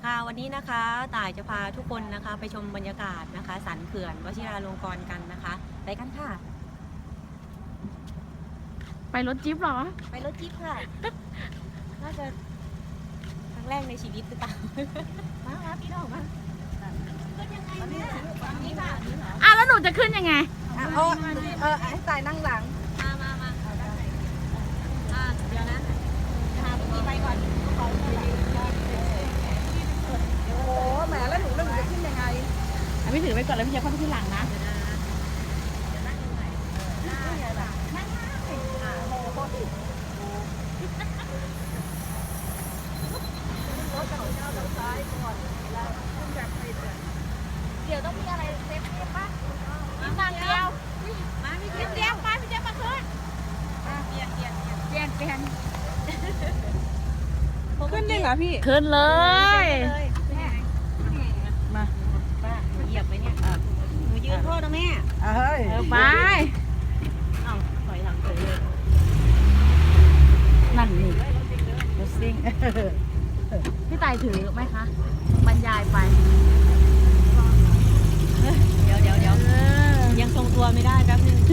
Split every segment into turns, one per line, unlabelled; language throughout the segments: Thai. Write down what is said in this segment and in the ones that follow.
ค่ะวันนี้นะคะต่ายจะพาทุกคนนะคะไปชมบรรยากาศนะคะสันเขื่อนวชิราลงกรณ์กันนะคะไปกันค่ะ
ไปรถจิ๊บเหรอ
ไปรถจิ๊บค่ะน่าจะครั้งแรกในชีวิตหรือเปล่ามาพี่น้องมาขึ้นยังไงเนี่ยนี่ค่ะ
แล้วหนูจะขึ้นยังไง
ให้ตายนั่งหลัง
มาเดี๋ยวนะพาพี่ไปก่อน
โอ้โหแหมแล้วหนูจะขึ้นยังไง
พี่ถือไว้ก่อนแล้วพี่จะเข้าไปที่หลังนะเดี๋ยวต้องมีอะไรเซฟตี้ป่ะมีทางเดียว
มาพี่
เจี๊ยบมาพี่เจี๊ยบมาขึ้น
เปลี่ยน
ขึ้นได้เหรอพี่
ขึ้นเลย
มาป้าเหยียบไปเนี่ยหนูยืนโทษนะแม่
เฮ้ย
ไป
ถอยหลังเลย
นั่นนี่
รถซิ่ง
พี่ต่ายถือไหมคะบรรยายไป
เดี๋ยวยังทรงตัวไม่ได้แป๊บนึง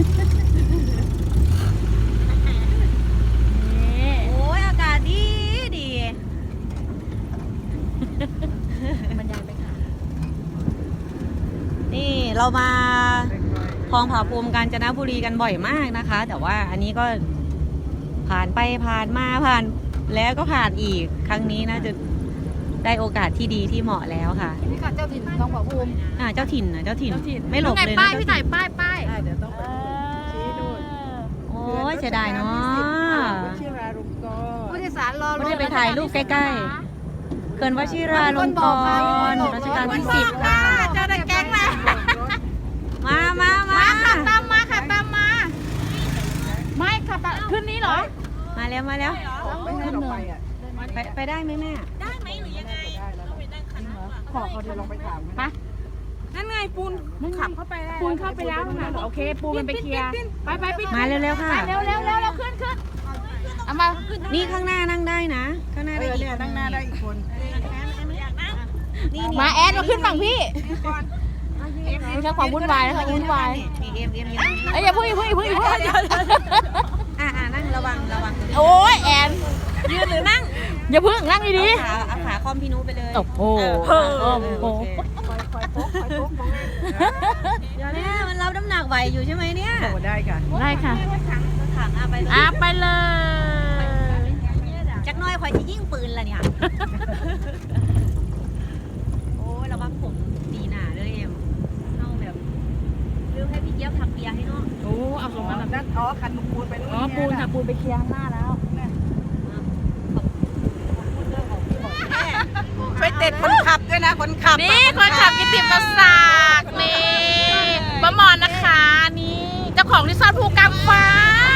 โอ้ยอากาศดี
บรรยายไปค่ะ
นี่เรามาคลองผาภูมิกาญจนบุรีกันบ่อยมากนะคะ แต่ว่าอันนี้ก็ผ่านไปผ่านมาผ่านแล้วก็ผ่านอีกครั้งนี้น่าจะได้โอกาสที่ดีที่เหมาะแล้วค่ะ
นี่ค่ะเจ้าถิ่นคลองผาภูมิ
เจ้าถิ่นไม่หลบเลยนะ
ป้ายพี่ต่ายป้าย
เดี๋ยวต้องไปชี้ดู
โอ้ยเสียดายเนาะ
วชิราลงกรณ์
ผู้โดยสารรอ
ไม่ได้ไปถ่ายรูปใกล้ๆเขื่อนวชิราลงกรณ์รัชกาลที่10ค่ะ
เจ้าได้แก๊งแล้ว
มา
ขับตามมาไม่ขับตามขึ้นนี้เหรอ
มาแล้ว
ไม่ให้เราไปอ่ะ
ไปได้ไหมแม่
ได้ไหมหรือยังไงต้องไปนั่งคันขอเขาเดี๋ยวลองไปถาม
มา
นั่นไงปูนขับเข้าไปได้
ปูนเข้าไปแล้วนะโอเคปูนมันไปเคลียร์ไปปิด
มาเร็วๆค่ะ
เร็วเราขึ้นเอามา
นี่ข้างหน้านั่งได้นะข้างหน้าได้อีก
นั่งหน้าได้อีกคน
มาแอดเราขึ้นฝั่งพี่ไม่ใช่ความวุ่นวายนะคะวุ่นวายอย่าพูด
นั่งระวัง
โอ้ยแอน
ยืนหรือนั่ง
อย่าพึ่งนั่งดี
ๆเอาขาคอมพี่นุไปเลย
โอ้โห
คอยโป๊ก
เดี๋ยวนี้มันรับน้ำหนักไหวอยู่ใช่ไหมเนี่ย
ได้ค่ะ
ถัง
ไปเลย
จักน้อยคอยจะยิ่งปืนละเนี่ยโอ้ยระวังผมดีหนาเลยเอ็มเอาแบบเรื่องให้พี่เจี๊ยบทำเบียร์ให้น้อง
โอ้เอาตรงนั้น
นั่นคันปูนไปนู่น
ปูนไปเคลียร์ข้างหน้าแล้ว
ไปเด็ดคนขับด้วยนะคนขับ
นี่คนขับกิติมาศักดิ์นี่ป้ามอนนะคะนี่เจ้าของรีสอร์ทภูกำฟ้า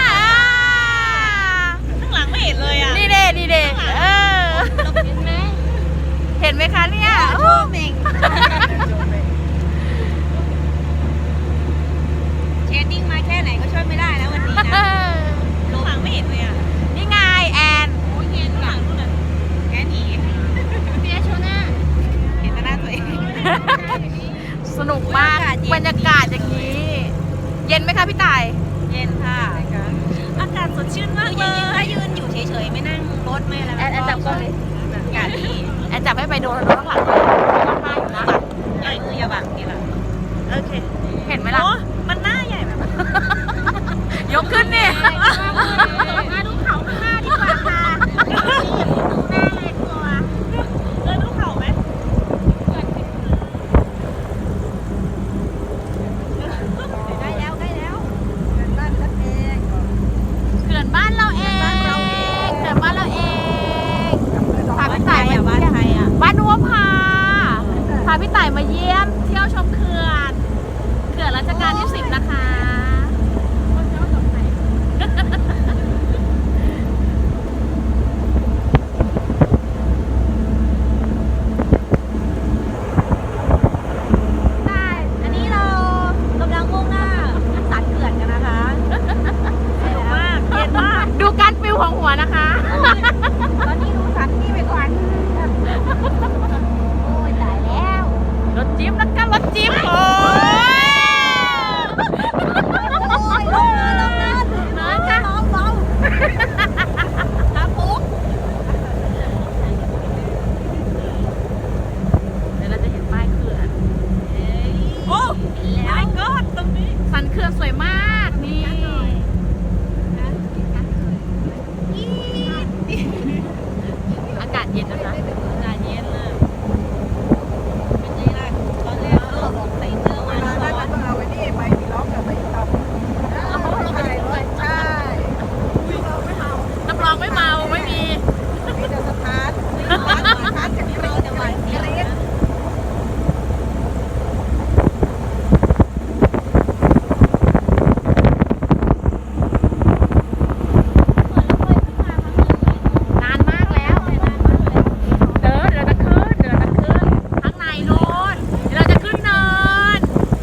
ข้างหลังไม่เห็นเลยอ่ะ
นี่เด้เห็นไหมคะเนี่ย
โอ้เม่งเชดดิ้งมาแค่ไหนก็ช่วยไม่ได้แล้ววันนี้นะข้างหลังไม่เห็นเลยอ่ะ
นี่ไงแอน
โอ้ยเห็นข้างหลังนู่นน่ะแกหนี
เบียร์โชว์หน้า
เห็นแต่หน้าตัวเอง
สนุกมากบรรยากาศอย่างนี้เย็นไหมคะพี่ต่าย
เย็นค่ะอากาศสดชื่นมากเลยถ้ายืนอยู่เฉยๆไม่นั่งรถไม่อะไร
แอนจับก่อนเลย
อากาศดี
แอนจับให้ไปโดนข้างหลังมากๆนะ
อย่าบังนี่แหละโอเค
เห็นไหมล่ะ
มันหน้าใหญ่แบบ
ยกขึ้นนี่มาดูเขาข้างหน้าดีกว่าค่ะดูหน้าเลยกลัว
ดูเขาไหมใกล้แล้ว
เขื่อนบ้านเราเอง
พาพี่ต่ายมา
บ้านใครอ่ะ
บ้านนัวพาพี่ต่ายมาเยี่ยมเที่ยวชมเขื่อนรัชกาลที่10นะคะ
อันนี้เรากำลังมุ่งหน้าสันเขื่อนกันนะคะสนุกมากเย็นมาก
ดูการฟิวของหัวนะคะ
ตอนนี้ดูสันนี่ไปก่อนเย็นนะคะอากาศเย็นนะเป็นไงล่ะตอนแรกก็ใส่เสื้อมา
แล้ว
ร้
ก็
อน
เอาไว้นี่ไปมีล็อกกับไปต่อใช่ใช่เราไม่เอา
รับรองไม่เมาไม่มี
มีแต่สถานจากนี้
เราจะหวานเจี๊ยบนะ
นานมากแล้วเดินเดี๋ยวจะขึ้นข้างในโน้นเดี๋ยวเราจะขึ้นเนิน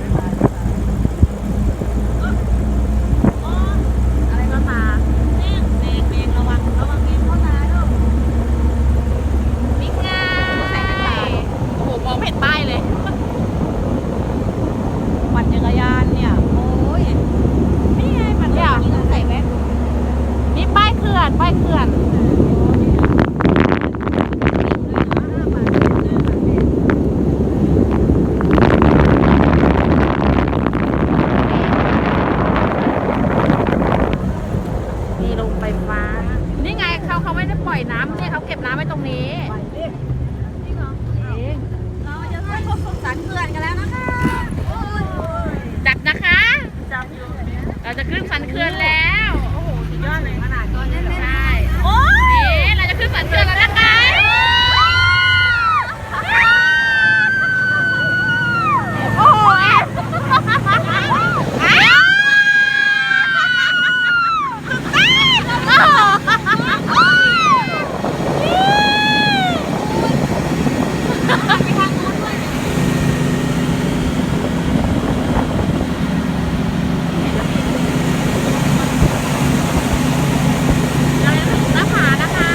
อะไรก็มา
แมงระวังแมงเข้าตาด้วย
นี่ไงโอ้โหมองไม่เห็นป้ายเลย
ปั่นจักรยานเนี่ยโอ้ย
นี่ไงมัน
เนี่
เนี่ย ย
ต้องใส่แว่น
นี่ป้ายเขื่อนนี่ลงไฟฟ้านี่ไงเขาไม่ได้ปล่อยน้ำเนี่ยเขาเก็บน้ำไว้ตรงนี้
เราจะขึ้นสันเขื่อนกันแล้วนะคะ
จับนะคะเราจะขึ้นสันเขื่อนแล้วโอ้โหสุดยอดเลยขนาดนี้เลยใช่โอ้ยเราจะขึ้นสันเขื่อนแล้วนะคะโอ้โหแอบเราจะถึงหน้าผานะคะ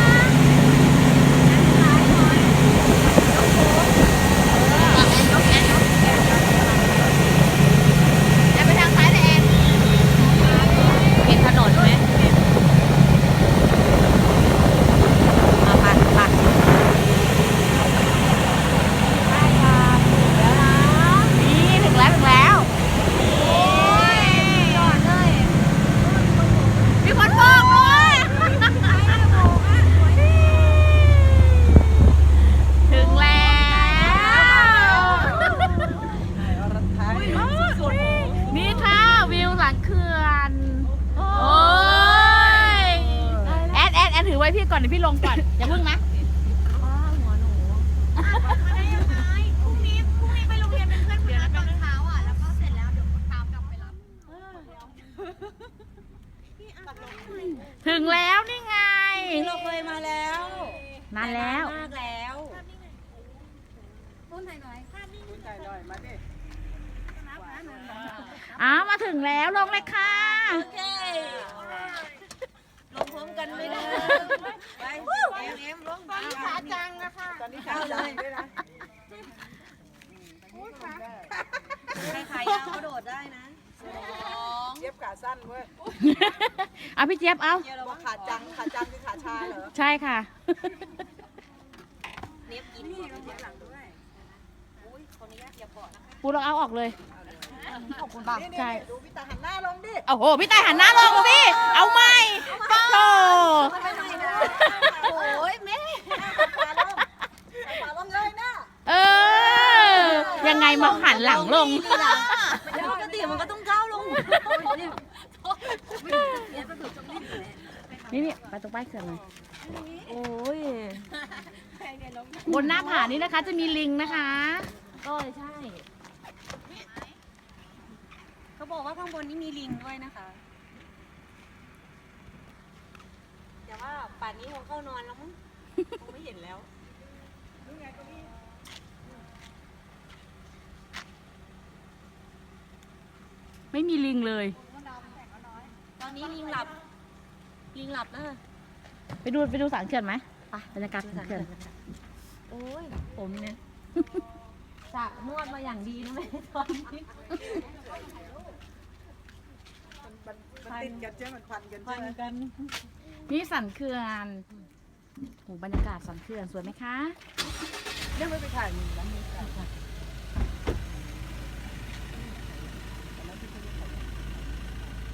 แอนไปทางซ้ายเลยแอน
เห็นถนนไหมมาปัดได้ค่ะแล้วนะ
นี่ถึงแล้ว
ยอดเลย
มีคนบอกด้วยถึงแล้วนี่ค่ะวิวหลังเขื่อนโอ้ยแอนถือไว้พี่ก่อนเดี๋ยวพี่ลงก่อนอย่าเพิ่งนะ
หัวหนู
พรุ่งนี้ไปโรงเรียนเป็นเพื่อนเพื่อนตอนเช้าอ่ะแล้วก็เสร็จแล้วเดี๋ยวตามกลับไปรับถึงแล้วนี่ไง
เราเคยมาแล้ว
นานแล้ว
มากแล้ว
มาดิ
มาถึงแล้วลงเลยค่ะ
โอเคลงพร้อมกันไม่ได้ไปเอ็มลงไป
ขาจังนะคะ
ตอนนี้ขาใหญ่ด้วยนะ
ใครขายาวก็โดดได้นะ
เย็บขาสั้นเว้ย
เอาพี่เจี๊ยบเอา
เราว่าขาจังคือขาชาเหรอ
ใช่ค่ะ
เน็บกินก่อนเน็บหลังด้วยอุ้ยขออนุญาตอย่าเบาะนะคะ
ปูเราเอาออกเลย
ขอบคุณบ้าง
นี่
ใช่
ดูพี่ตาหันหน้าลงดิ
โอ้โหพี่ตายหันหน้าลงสิเอาใหม่โธ่
โอ้ยแม่
ขาลงเลยนะ
เออ ยังไงมาหันหลังลง
ปกติมันก็ต้องก้าวลง
นี่ไปตรงป้ายเขื่อนเลย
โอ้ย
บนหน้าผานี้นะคะจะมีลิงนะคะ
ก็ใช่ เขาบอกว่าข้างบนนี้มีลิงด้วยนะคะ แต่ว่าป่านนี้คงเข้านอนแล้วมั้งคงไม่เห็นแล้ว
ไม่มีลิงเลย
ตอนนี้ลิงหลับ ลิงหลับแล้ว
ไปดูสันเขื่อนไหมไปบรรยากาศสันเขื่อน
โอ้ย ผมเนี่ยจะนวดมาอย่างดีนะแม่ตอนนี้
มันติดกันใช่ไหมมันพันกัน
พั
ใช่
น
ไหม
กัน
นี่สันเขื่อนโหบรรยากาศสันเขื่อนสวยไหมคะ
เรื่องไม่ไปถ่ายร้านนี้ค่ะ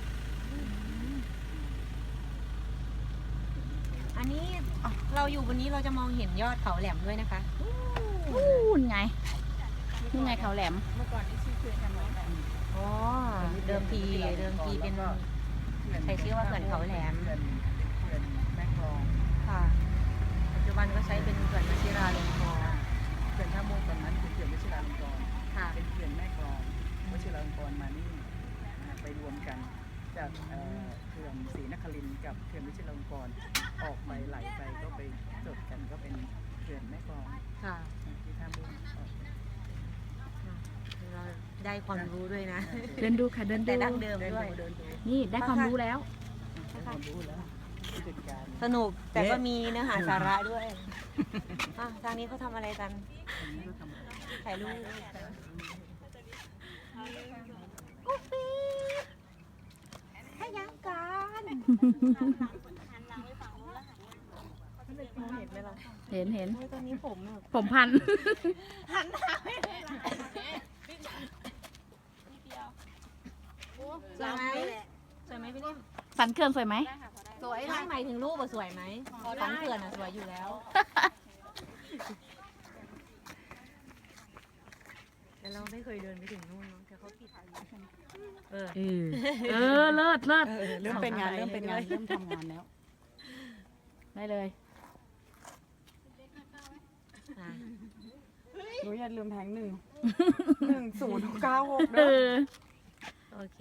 อันนี้เราอยู่บนนี้เราจะมองเห็นยอดเขาแหลมด้วยนะคะ
นู่นไงเขาแหลม
เมื่อก่อนนี่ชื่อเขื่อนกันไว้แบบ
อ๋อ เดิมทีเป็นใช้ชื่อว่าเขื่อนเขาแหลม
เขื่อนแม่กลอง
ค่ะ ปัจจุบันก็ใช้เป็นเขื่อนวชิราลงกรณ์
เขื่อนท่าม่วงตอนนั้นคือเขื่อนวชิราลงกรณ์
ค่ะ
เป็นเขื่อนแม่กลองวชิราลงกรณ์มานี่ไปรวมกันจากเขื่อนศรีนครินทร์กับเขื่อนวชิราลงกรณ์ออกไปไหลไปก็ไปจดกันก็เป็นเขื่อนแม่กลอง
ค่ะ
ที่ท่าม่วงออก
เราได้ความรู้ด้วยนะ
เดินดูค่ะเดิน
แต่
ดู
ดั้งเดิมด้วย
เดินดู
นี่ได้ความรู้แล้ว
ได้ความรู้แล้วผู้จัดการ
สนุกแต่ก็มีเนื้อหาสาระด้วยอ่ะทางนี้เขาทำอะไรกัน ถ่ายรูปกุ๊กปีให้ยังกัน เห็นไหมล่ะ
เห็น
โอ้ยตอนนี้ผมแบบ
ผมพัน
สวยไหมสวยไหมพี่นิ่ม
สันเขื่อนสวยไหม
สวยไม่หมายถึงรูปอะสวยไหมสันเขื่อนอะสวยอยู่แล้ว แต่เราไม่เคยเดินไปถึงนู่นเนาะแต่เขาปิดเออ
เลิศ
เริ่มเป็นงานเริ่มทำงานแล้ว
ได้เลย
อ่ะ
หนูอย่าลืมแทง1096
เออ
โอเค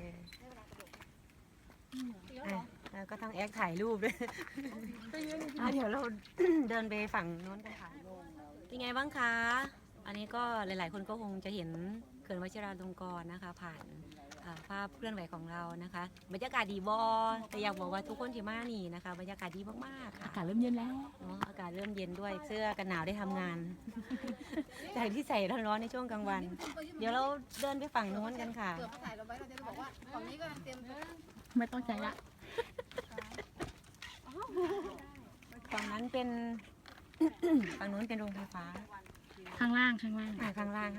อ่ะแล้วก็ต้องแอคถ่ายรูปด้วยอ่ะเดี๋ยวเรา เดินไปฝั่งโน้นกันค่ะเป็นไงบ้างคะ อันนี้ก็หลาย ๆ คนก็คงจะเห็นเขื่อนวชิราลงกรณ์นะคะ ผ่านภาพเคลื่อนไหวของเรานะคะ บรรยากาศดีบอแต่อยากบอกว่าทุกคนที่มานี่นะคะ บรรยากาศดีมากๆค่ะ
อากาศเริ่มเย็นแล้ว
เนาะอากาศเริ่มเย็นด้วยเสื้อกันหนาวได้ทำงาน จากที่ใส่ร้อนๆในช่วงกลางวัน เดี๋ยวเราเดินไปฝั่งโน้นกันค่ะ
ไม่ต้องใจละ
ฝั่งนั้นเป็น ฝั่งนู้นเป็นโรงไฟฟ้า
ข้างล่าง
ข้างล่างฝั่งนั้น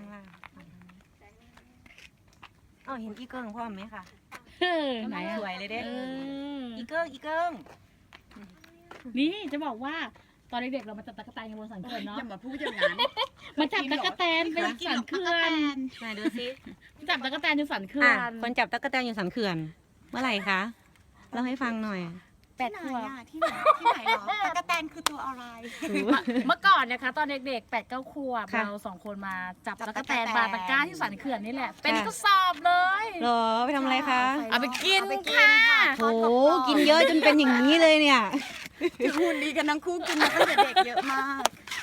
อ๋อเห็นอีเกิ้งพ่อไหมคะ
ไหนอะ
สวยเลยเด้
เออ
อีเกิ้ง
นี่จะบอกว่าตอนเด็กๆเรามาจับตะกั่วแตนกันบนสันเขื่อนเนาะ
อย่ามาพูดอย่างนั้น
มาจับตะกั่วแตนเป็นสันเขื่อน
ไหนดูสิ
จับตะกั่วแตนอยู่สันเขื่อ
อ่ะ
น
คนจับตั๊กแตนอยู่สันเขื่อน เมื่อไหร่คะเล่าให้ฟังหน่อย
8 ขวบ
ที่ไหนหรอตะกะแตนคือตัวอะไร
เมื่อก่อนนะคะตอนเด็กๆ8-9 ขวบ
ค่ะ
เรา2 คนมาจับ
จับ
ตะกั่วแตน
ตั๊กแตน
ปลาตะกร้าที่สันเขื่อนนี่แหละ เป็นกระสอบเลย
เหรอไปทำอะไรคะ
เอาไปกินค่ะ
โหกินเยอะจนเป็นอย่างนี้เลยเนี่ย
คือหุ่นดีกันทั้งคู่กินมาตั้งแต่เด็กเยอะมาก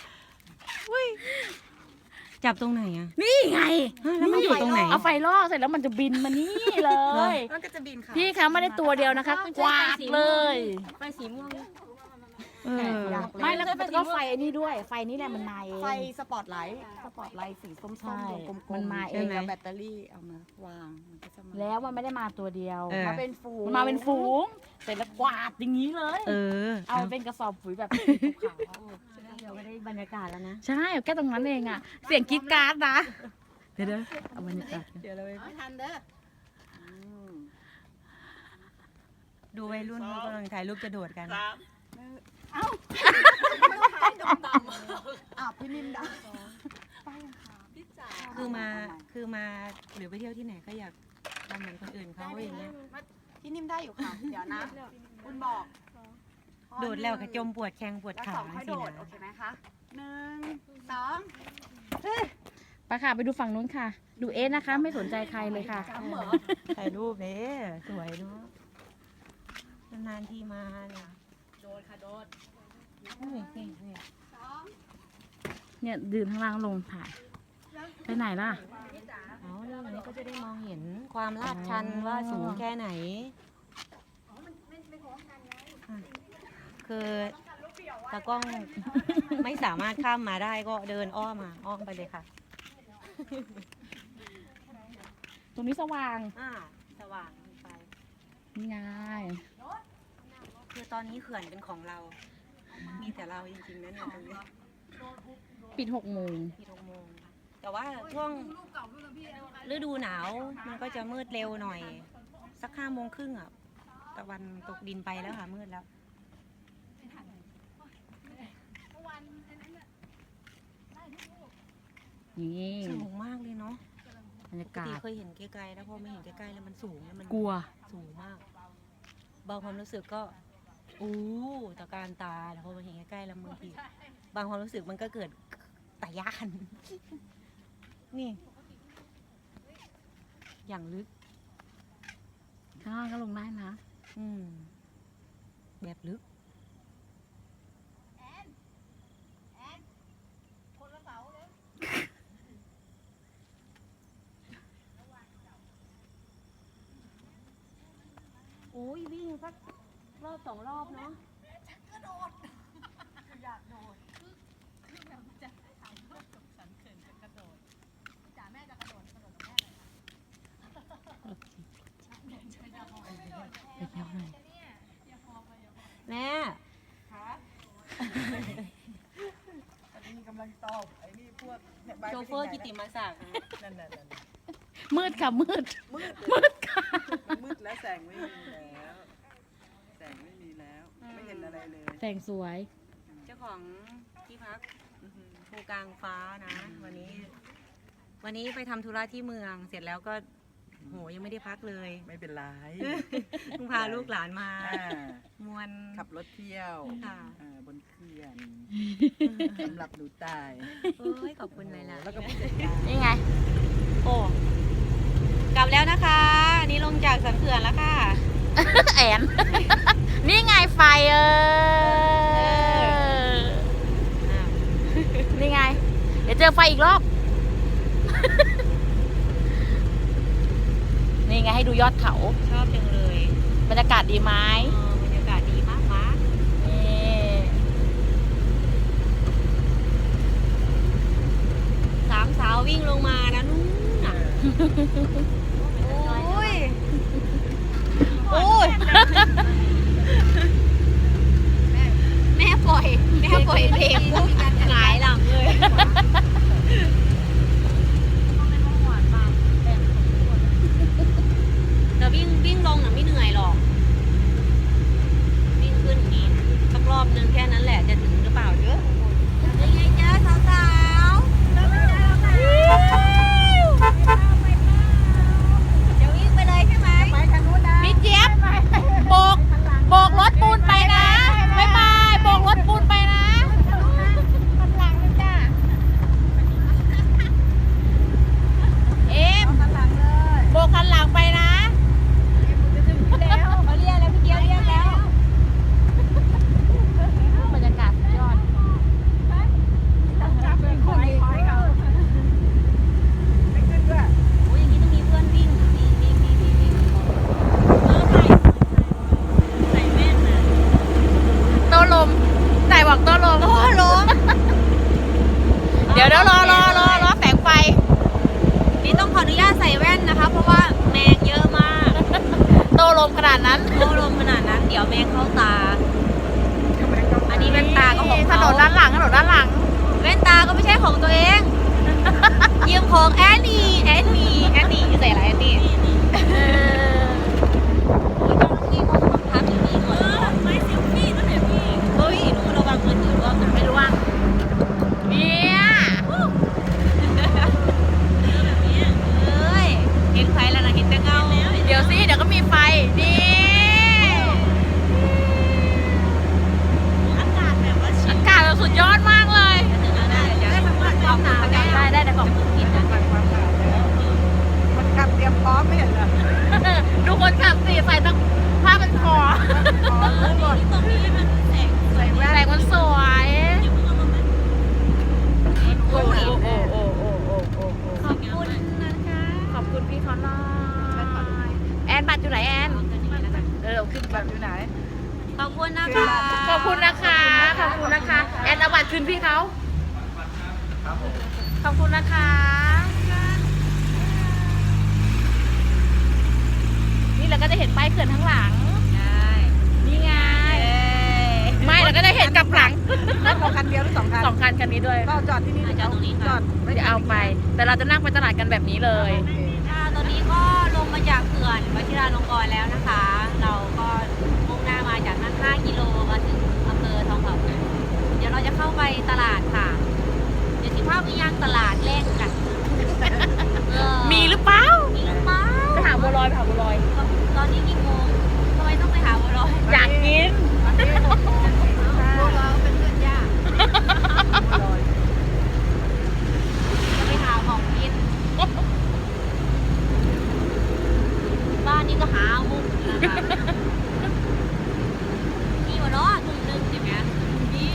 จับตรงไหนอะ
นี่ไง
ฮะแล้วมันอยู่ตรงไหน
เอาไฟล่อเสร็จแล้วมันจะบินมานี่เลย
มันก็จะบินค่ะ
พี่คะไม่ได้ตัวเดียวนะคะ กวาดเลย
ไฟสีม่วง
เออ
ไม่แล้วก็ไฟไอ้นี่ด้วย ไฟนี่แหละมันมาเอง
ไฟสปอตไลท์สีส้ม
ใช่
ๆกลมๆ
มันมาเอง
เอาแบตเตอรี่เอามาวางมันก็จะมา
แล้วมันไม่ได้มาตัวเดียว
เออ
มาเป็นฝูง
มันมาเป็นฝูงเสร็จแล้วกวาดอย่างนี้เลย
เออ
เอาไปเป็นกระสอบปุ๋ยแบบขาว
เดี๋ยวไม่ได้บรรยากาศแล้วนะ
ๆใช่แค่ตรงนั้นเองอ่ะ เสียงกรี๊ดกราร์ดนะ เดี๋ยวเอาบรรยากาศ
เดี๋ยวเราไป
ทันเด้อ
ดูวัยรุ่นเขากำลังถ่ายรูปกระโดดกัน
พี่นิ่มดัง
คือมาหรือไปเที่ยวที่ไหนก็อยากทำเหมือนคนอื่นเขาอย่างเงี้ย
พี่นิ่มได้อยู่ค่ะ เดี๋ยวนะคุณบอก
โดดแล้วก็จมปวดแข้งปวด
แล้ว
ขา
สองค่อย
สิ
โดด
นะ
โอเคไหมคะ1 2
ไปค่ะไปดูฝั่งนู้นค่ะ ดูเอสนะคะ ไม่สนใจใครเลยค่ะ
ถ่ายรูปเนี่ยสวยเนาะนานๆทีมาเนี่ย
โดดค่ะโดด
นี่
เนี่ยยืนข้างล่างลงถ่าย ไปไหนล่ะ
เอาเรื่องนี้ก็จะได้มองเห็นความลาดชันว่าสูงแค่ไหนอ่ะคือตากล้องไม่สามารถข้ามมาได้ก็เดินอ้อมไปเลยค่ะ
ตรงนี้สว่าง
สว่างไป
นี่ไง
คือตอนนี้เขื่อนเป็นของเรา มีแต่เราจริงๆนะเนี่ยตรงนี้
ปิด6 โมง
ที่6 โมง แต่ว่าช่วงฤดูหนาวมันก็จะมืดเร็วหน่อย สัก5 โมงครึ่งอ่ะ ตะวันตกดินไปแล้วค่ะมืดแล้ว
นี่
สูงมากเลยเนาะ
บรรยา
ปก
กา
ติ
ศ
เคยเห็นไกลๆแล้วพอไม่เห็นใกล้ๆแล้วมันสูงแล้วมัน
กลัว
สูงมาก บางความรู้สึกก็อู้ตะการตาแล้วพอมาเห็นใกล้ๆแล้วบางทีบางความรู้สึกมันก็เกิดตะยาน นี่ อย่างลึก
ข้างล่างก็ลงได้นะ
อืม แบบลึก โอ้ยวิ่งสักรอบสองรอบเนาะ
เดี๋ยวหน่อย
แม่
อันนี้กำลังตอบไอ้นี่พวกเนี่ยใบ
โชเฟอร์กิติมาศักดิ์
นั่น
มืดค่ะมืด
มืด
มืดค่ะ
มันมืดแล้วแสงไม่มีแล้วแสงไม่มีแล้วไม่เห็นอะไรเลย
แสงสวย
เจ้าของที่พัก
อื้อหือ
ภูกลางฟ้านะ วันนี้ไปทำธุระที่เมืองเสร็จแล้วก็โหยังไม่ได้พักเลย
ไม่เป็นไร
เพิ่งพาลูกหลานมา
อ่าม
วน
ขับรถเที่ยว
ค่ะ
บนเขื่อนสำหรับหนูตาย
เอ้ยขอบคุณเลยล่ะ
แล้วก็ผู้จัดการ
นี่ไง
โอ้กลับแล้วนะคะอันนี้ลงจากสันเขื่อนแล้วค่ะ
แอน นี่ไงไฟนี่ไง เดี๋ยวเจอไฟอีกรอบ นี่ไงให้ดูยอดเขา
ชอบจังเลย
บรรยากาศดีไหม
บรรยากาศดีมากมาก
นี่
สามสาววิ่งลงมานะนู่นน่ะโอ้ยโอ้ยแม่ปล่อยเบรกปุ๊บหงายหลังเลยแต่วิ่งลงน่ะไม่เหนื่อยหรอก วิ่งขึ้นอย่างนี้สักรอบนึงแค่นั้นแหละจะถึงหรือเปล่าเยอะยังไงเจอสาวๆจะวิ่งไปเลยใช่ไหมไปทางนู้นนะ
พี่เจี๊ยบโบกรถปูนไปนะบ๊ายบายโบกรถปูนไปนะเอ็มโบกคันหลังไปนะ
เขาเรียกแล้วพี่เกียวเรียกแล้ว
บรรยากาศสุดยอด
ไม่ขึ้นด้วย
โอ้ยอย่างนี้ต้องมีเพื่อนวิ่งวิ่งใส่แว่นนะ
โตลมไหนบอกโตลม
โอ้ลม
เดี๋ยวรอแสงไฟ
นี่ต้องขออนุญาตใส่แว่นนะคะ เพราะว่าแมงเยอะมาก
โตลมขนาดนั้น
โอ้ลมขนาดนั้นเดี๋ยวแมงเข้าตา อันนี้แว่นตาก็ของ
ถ
เขา
นนด้านหลังแ
แว่นตาก็ไม่ใช่ของตัวเองยืมของแอนนี่ใส่อะไรแอนนี่โอ้ยเจ้าหน้าที่เขาบังคับอย่างนี้ก่อนไม่เซลฟี่นั่นแหละพี่เฮ้ยหนูระวังมือถือร่วงนะ
ไม่รู้ว่าเนี่ย
เอ้ยเห็นไฟแล้วนะเห็นแต่เงา
เดี๋ยวสิเดี๋ยวก็มีไฟนี่
อากาศแบบว่าชิ
อากาศเราสุดยอดมากเลย
ถึงแล้วได้เดี๋ยวได้ขอบคุณค่ะ
ได้แต่ของกินนะ
มันกลับเตรียมพร้อมไม่เห็นเหรอ
ดูคนขับสิใส่ตั้งผ้าเป็นคอ
ตรงนี้มันแสง
ใส่แว่น
แสงมันสวย
โอ้ย
โอ้
ขอบคุณนะคะ
ขอบคุณพี่เขาหน่อยแอนบัตรอยู่ไหนแอนขึ้นบัตรอยู่ไหน
ขอบคุณนะคะ
ขอบคุณนะคะแอนเอาบัตรคืนพี่เขาขอบคุณนะคะ นี่เราก็จะเห็นป้ายเขื่อนข้างหลัง
ได้
นี่ไง ไม่เราก็จะเห็นกลับหลัง
เราคันเดียวหรือ2 คัน
2 คันคันนี้ด้วย
ก็จอดที่นี่
จอดตรงนี้
จ
ค่ะ
อด
ไม่ได้เอาไป แต่เราจะนั่งไปตลาดกันแบบนี้เลย
ค่ะตอนนี้ก็ลงมาจากเขื่อนวชิราลงกรณ์แล้วนะคะ เราก็มุ่งหน้ามาจากนั้น5 กิโลมาถึงอำเภอทองผาภูมิเดี๋ยวเราจะเข้าไปตลาดค่ะ เดี๋ยวสิภาพไปย่างตลาดแรกกัน
ไปหาบัวลอย
ตอนนี้กี่โมงทำไมต้องไปหาบัวลอย
อยากกิน
บัวลอยเป็นเพื่อนยากบัวลอย
จะไปหาของกิน บ้านนี้ก็หามุกนะคะนี่วะเนาะถุงนึงอย่างเงี้ยนี่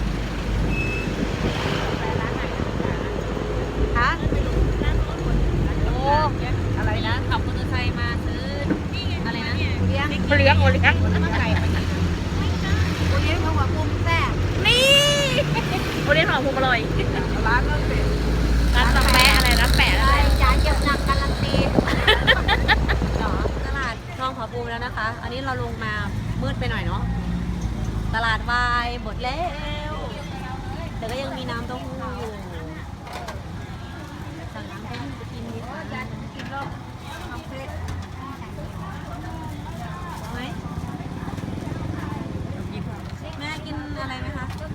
ฮะโอ้
อะไรนะ
ขับมอเตอร์ไซค์มาซื้ออะไรนะ
โอเลี้ยง
โอเลี้ยง
โอเลี้ยงเขาบอกมุมแซ่บ
นี่โอเลี้ยงของภูมิอร่อย
ร้านก็เป็น
ร้านตะแปะอะไรนะแปะอะไร
จานเก็บหนักการันตีเหรอตลาดคลองผาภูมิแล้วนะคะ อันนี้เราลงมามืดไปหน่อยเนาะตลาดวายหมดแล้วแต่ก็ยังมีน้ำเต้าหู้อยู่สั่งน้ำเต้าหู้ไปกินดีกว่าไหมแม่กินอะไรไหมคะ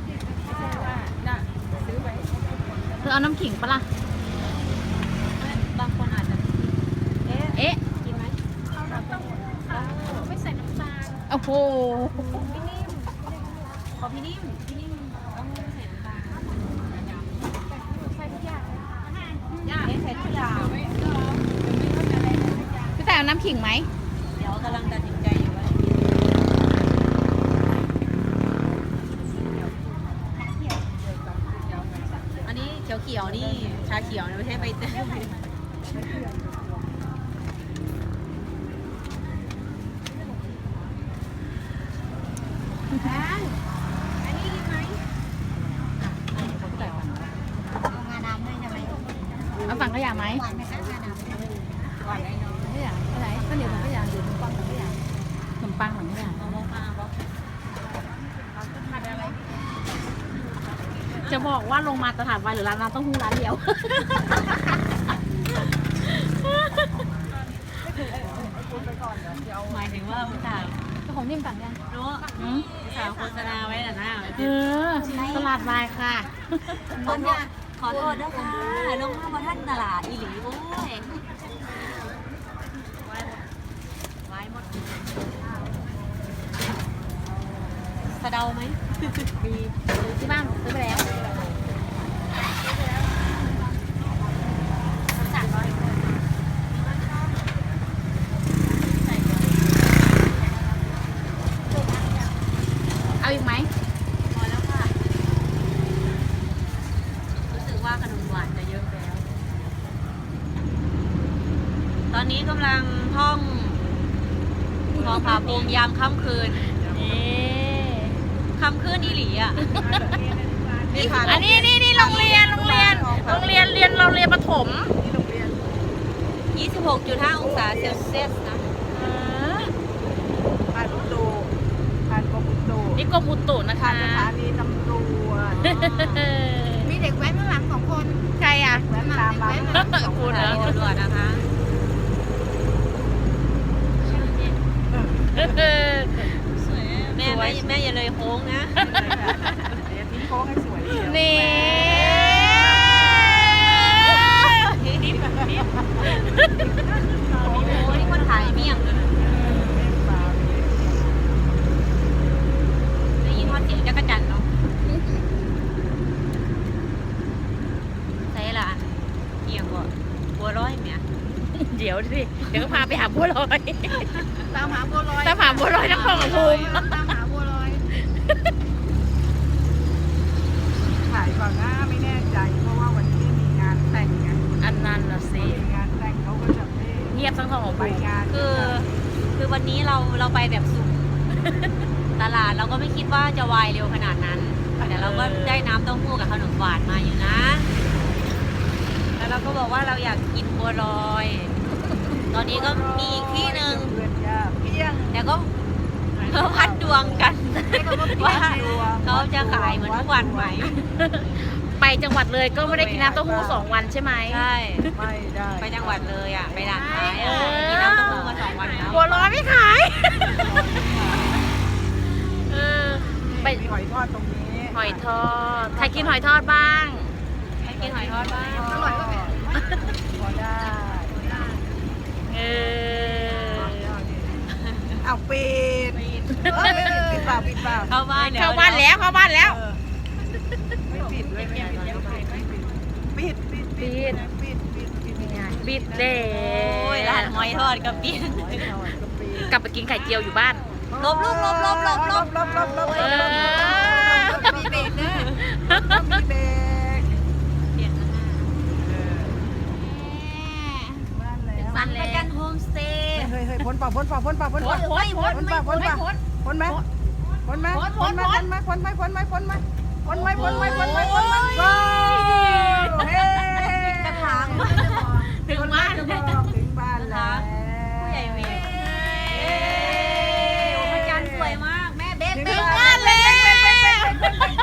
เธอเอาน้ำขิงปะล่ะ
บางคนอาจจะเอ๊ะ
เอ๊ะ
กินไหม
ไม่ใส่น้ำตาล โอ้โห
พี่นิ่มขอพี่นิ่มต้องใส่น้ำตาล
ใส่ทุกอย่าง
เอ๊ะใส่ทุกอย่าง
พี่แต่เอาน้ำขิงไหม
เดี๋ยวกำลังตัดสินใจอยู่ว่าจะกินอันนี้เขียวๆนี่ชาเขียวนะไม่ใช่ใบเตยอันนี้กินไหมผมใส่ก่อน
เอาฝั่งขยะไหม
ก่อนได้เนาะ
ขยะอะไรข้าวเหนียวถังขยะหรือขนมปังถังขยะขนมปังถังขยะ
เอาบ้างเอา
จะบอกว่าลงมาตลาดวายหรือร้านน้ำเต้าหู้ร้านเดียว
หมายถึงว่าอุตส่าห์
ของนิ่มสั่งยัง
รู้อุตส่าห์โฆษณาไว้แต่หน้าไว้
เออตลาดวายค่ะ
ขอโทษด้วยค่ะลงมาบนท่านตลาดอีหลีโอ้ยไว้หมดสะเดาไหม
ดีซื้อที่บ้านซื้อไปแล้วเอาอีกไหม
พอแล้วค่ะ รู้สึกว่าขนมหวานจะเยอะแล้ว ตอนนี้กำลังท่องทองผาภูมิยามค่ำคืน ค่ำคืนอีหลีอ่ะ
อันนี้นี่โรงเรียนเรียนประถม
26.5 องศาเซลเซียสนะ
ผ่านประตูผ่านกรมอุตุ
นี่กรมอุตุนะคะ
ผ่านสถานีตำรวจ
มีเด็กแว้นข้างหลัง2 คน
ใครอ่ะ
แว้นตามมา
คุณ
สถา
นะ
นีตำรวจนะคะ แม่อย่าเลยโค้งนะ
เดี๋ยวทิ้งโค้งให้สวยเชียว
นี่
โอ้ยคนถ่ายเมี่ยงเลยนะได้ยินทอดเสียงจักรจันทร์เนาะใช่ละเอียงบ่บัวร้อยเมีย
เดี๋ยวสิเดี๋ยวก็พาไปหาบัวลอย
ตามหาบัวลอย
ตามหาบัวลอยนครปฐม
ตามหาบัวลอย
ถ่ายก่อนหน้าไม่แน่ใจ เพราะว่าวันนี้มีงานแต่งไง
อันนั้นละสิ
มีงานแต่งเขาก็จะไม่
เงียบทั้งสองของ
ไป
บุญ
งาน
คือวันนี้เราไปแบบสุ่ม ตลาดเราก็ไม่คิดว่าจะวายเร็วขนาดนั้น แต่เราก็ได้น้ำเต้าหู้กับขนมหวานมาอยู่นะ แล้วเราก็บอกว่าเราอยากกินบัวลอย ตอนนี้ก็มีอีกที่หนึ่ง
เพื่อนยากเพียง
แต่ก็เขาพัดดวงกันว่าเขาจะขายเหมือนทุกวันไหม
ไปจังหวัดเลยก็ไม่ได้กินน้ำเต้าหู้2 วันใช่ไหม
ใช่
ไม่ได้
ไปจังหวัดเลยอ่ะ ไปด่านท้ายอ่ะกินน้ำเต้าหู้มา2 วันแล้ว
บัวลอยไม่ขายเออไป
มีหอยทอดตรงนี้
หอยทอดใครกินหอยทอดบ้าง
ไปกินหอยทอดบ้าง
อร่อยก็พอได้
เออ
เอาปิดปิดเปล่าปิดเปล่า
เข้าบ้าน
เข้าบ้านแล้วเข้าบ้านแล้ว
ไม่ปิดด้วยไม่ปิดปิดปิดปิดปิดปิดปิด
ปิดเด้
โอ้ยร้านหอยทอดกับปิด
กลับไปกินไข่เจียวอยู่บ้าน
ลบลูกลบลบลบลบ
ลบลบลบ
เออ
มีเบรกเด้อ
มีเบรก
เปลี่ยนแล้วนะ
บ้านแล้ว
บ้านแล้
ประ
ว
กันโฮมสเตย์
เฮ้ยเฮ้ยพ้นเปล่าพ้นเปล่าพ้นเปล่าพ้นเปล่า
พ้นพ้น
พ้นเปล่าพ้นเปล่าพ้นไหมพ้นไหมพ้นไหมพ้นไหมพ้นไหมพ้นไหมพ้นไหมพ้นไหมพ้นไหมพ้นไหมพ้นไหมพ้นไหม